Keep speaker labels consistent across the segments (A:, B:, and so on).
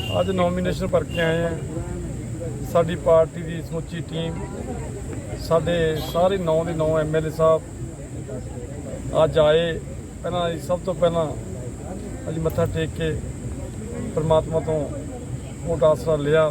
A: ਅੱਜ ਨੋਮੀਨੇਸ਼ਨ ਭਰ ਕੇ ਆਏ हैं। साडी पार्टी की समुची टीम, साडे सारे 9 के 9 MLA साहब अज आए। पहला सब तो पहला अज मत्था टेक के परमात्मा तो वोट आसरा लिया।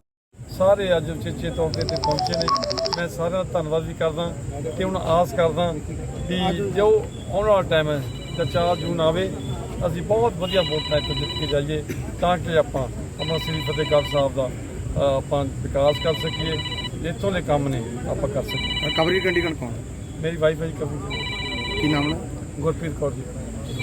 A: सारे अज उचेचे तौर पर पहुँचे ने। मैं सारे का धन्यवाद भी करदा कि हुण आस करदा कि जो आने वाला टाइम है तो 4 जून आवे, असीं बहुत वधिया वोट नाल जित के जाइए ताकि आपां अपना श्री फतेहगढ़ साहब का ਆਪਾਂ विकास कर सकीए, इतों के काम ने आप कर सकीए।
B: कवरेज कंडीशन कौन?
A: मेरी वाइफ है जी कवरेज।
B: की नाम है?
A: गुरप्रीत कौर जी।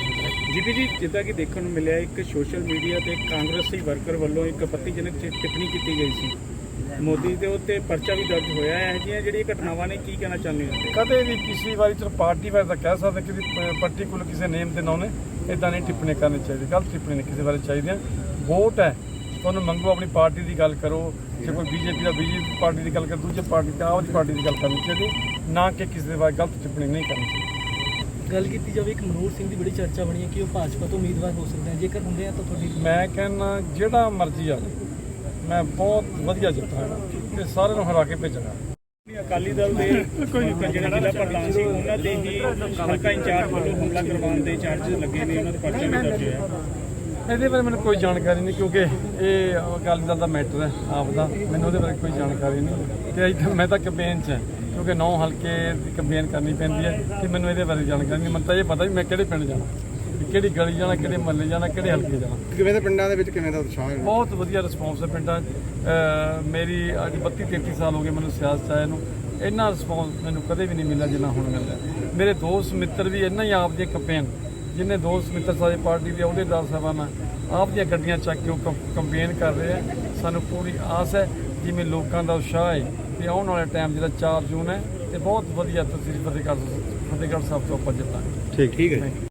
C: जीपी जी, जिदा कि देखने को मिले एक सोशल मीडिया ਤੇ ਕਾਂਗਰਸੀ ਵਰਕਰ ਵੱਲੋਂ ਇੱਕ ਆਪੱਤੀਜਨਕ ਟਿੱਪਣੀ ਕੀਤੀ ਗਈ ਸੀ ਮੋਦੀ ਦੇ ਉੱਤੇ ਪਰਚਾ ਵੀ ਦਰਜ ਹੋਇਆ ਹੈ। ਇਹ ਜਿਹੜੀਆਂ ਘਟਨਾਵਾਂ ਨੇ ਕੀ ਕਹਿਣਾ ਚਾਹੁੰਦੇ ਹੋ?
A: ਕਦੇ ਵੀ ਕਿਸੇ ਵਾਰੀ ਚਲੋ ਪਾਰਟੀ ਵਾਰ ਤਾਂ ਕਹਿ ਸਕਦੇ ਕਿ ਪਾਰਟੀਕੂਲਰ ਕਿਸੇ ਨੇਮ ਦੇ ਨਾਂ ਨੇ ਇਦਾਂ ਨਹੀਂ ਟਿੱਪਣੀ ਕਰਨੀ ਚਾਹੀਦੀ। ਗਲਤ ਟਿੱਪਣੀ ਨਹੀਂ ਕਿਸੇ ਬਾਰੇ ਚਾਹੀਦੀਆਂ। ਵੋਟ ਹੈ, ਤੁਹਾਨੂੰ ਮੰਗੋ, ਆਪਣੀ ਪਾਰਟੀ ਦੀ ਗੱਲ ਕਰੋ। ਜੇ ਕੋਈ ਬੀਜੇਪੀ ਦਾ ਬੀਜੇਪੀ ਪਾਰਟੀ ਦੀ ਗੱਲ ਕਰ, ਦੂਜੇ ਪਾਰਟੀ ਦਾ ਆਪਣੀ ਪਾਰਟੀ ਦੀ ਗੱਲ ਕਰਨੀ ਚਾਹੀਦੀ, ਨਾ ਕਿ ਕਿਸੇ ਦੇ ਬਾਰੇ ਗਲਤ ਟਿੱਪਣੀ ਨਹੀਂ ਕਰਨੀ ਚਾਹੀਦੀ।
D: ਗੱਲ ਕੀਤੀ ਜਾਵੇ ਇੱਕ ਮਨੋਹਰ ਸਿੰਘ ਦੀ ਬੜੀ ਚਰਚਾ ਬਣੀ ਹੈ ਕਿ ਉਹ ਭਾਜਪਾ ਤੋਂ ਉਮੀਦਵਾਰ ਹੋ ਸਕਦੇ ਹਨ। ਜੇਕਰ ਹੁੰਦੇ ਆ ਤਾਂ ਤੁਹਾਡੀ?
A: ਮੈਂ ਕਹਿੰਦਾ ਜਿਹੜਾ ਮਰਜ਼ੀ ਆ, ਮੈਂ ਬਹੁਤ ਵਧੀਆ ਜਿੱਤਾਂਗਾ ਤੇ ਸਾਰਿਆਂ ਨੂੰ ਹਰਾ ਕੇ ਭੇਜਾਂਗਾ।
C: ਅਕਾਲੀ ਦਲ ਦੇ ਜਿਹੜਾ ਜ਼ਿਲ੍ਹਾ ਪ੍ਰਧਾਨ ਸੀ ਉਹਨਾਂ ਦੇ ਹੀ ਹਲਕਾ ਇੰਚਾਰਜ ਵੱਲੋਂ ਹਮਲਾ ਕਰਵਾਉਣ ਦੇ ਚਾਰਜਸ ਲੱਗੇ ਨੇ, ਉਹਨਾਂ ਦੇ ਪਰਚਾ ਵੀ ਦਰਜ ਹੋਇਆ।
A: ਇਹਦੇ ਬਾਰੇ ਮੈਨੂੰ ਕੋਈ ਜਾਣਕਾਰੀ ਨਹੀਂ, ਕਿਉਂਕਿ ਇਹ ਅਕਾਲੀ ਦਲ ਦਾ ਮੈਟਰ ਹੈ ਆਪ ਦਾ। ਮੈਨੂੰ ਉਹਦੇ ਬਾਰੇ ਕੋਈ ਜਾਣਕਾਰੀ ਨਹੀਂ ਤੇ ਅੱਜ ਮੈਂ ਤਾਂ ਕੈਂਪੇਨ 'ਚ ਹਾਂ, ਕਿਉਂਕਿ 9 ਹਲਕੇ ਦੀ ਕੈਂਪੇਨ ਕਰਨੀ ਪੈਂਦੀ ਹੈ ਤੇ ਮੈਨੂੰ ਇਹਦੇ ਬਾਰੇ ਜਾਣਕਾਰੀ ਨਹੀਂ। ਮੈਨੂੰ ਤਾਂ ਇਹ ਪਤਾ ਵੀ ਮੈਂ ਕਿਹੜੇ ਪਿੰਡ ਜਾਣਾ, ਕਿਹੜੀ ਗਲੀ ਜਾਣਾ, ਕਿਹੜੇ ਮਹੱਲੇ ਜਾਣਾ, ਕਿਹੜੇ ਹਲਕੇ ਜਾਣਾ।
B: ਕਿਵੇਂ ਦੇ ਪਿੰਡਾਂ ਦੇ ਵਿੱਚ ਕਿਵੇਂ ਦਾ ਉਤਸ਼ਾਹ ਹੈ?
A: ਬਹੁਤ ਵਧੀਆ ਰਿਸਪੌਂਸ ਹੈ ਪਿੰਡਾਂ 'ਚ। ਮੇਰੀ ਅੱਜ 32-33 ਸਾਲ ਹੋ ਗਏ ਮੈਨੂੰ ਸਿਆਸਤ ਆਏ ਨੂੰ, ਇੰਨਾ ਰਿਸਪੌਂਸ ਮੈਨੂੰ ਕਦੇ ਵੀ ਨਹੀਂ ਮਿਲਿਆ ਜਿੰਨਾ ਹੁਣ ਮਿਲਦਾ। ਮੇਰੇ ਦੋਸਤ ਮਿੱਤਰ ਵੀ ਇੰਨਾ ਹੀ ਆਪ ਦੀ ਕੈਂਪੇਨ, ਜਿੰਨੇ ਦੋਸਤ ਮਿੱਤਰ ਸਾਰੇ ਪਾਰਟੀ ਦੇ ਅਹੁਦੇਦਾਰ ਸਾਹਿਬਾਨ ਆਪ ਦੀਆਂ ਗੱਡੀਆਂ ਚੱਕ ਕੇ ਉਹ ਕੰਪੇਨ ਕਰ ਰਹੇ ਆ। ਸਾਨੂੰ ਪੂਰੀ ਆਸ ਹੈ ਜਿਵੇਂ ਲੋਕਾਂ ਦਾ ਉਤਸ਼ਾਹ ਹੈ ਤੇ ਆਉਣ ਵਾਲੇ ਟਾਈਮ ਜਿਹੜਾ 4 ਜੂਨ ਹੈ ਤੇ ਬਹੁਤ ਵਧੀਆ ਤਸਵੀਰ ਫਤਿਹਗੜ੍ਹ ਸਾਹਿਬ ਤੋਂ ਆਪਾਂ ਜਿੱਤਾਂਗੇ।
B: ਠੀਕ ਹੈ।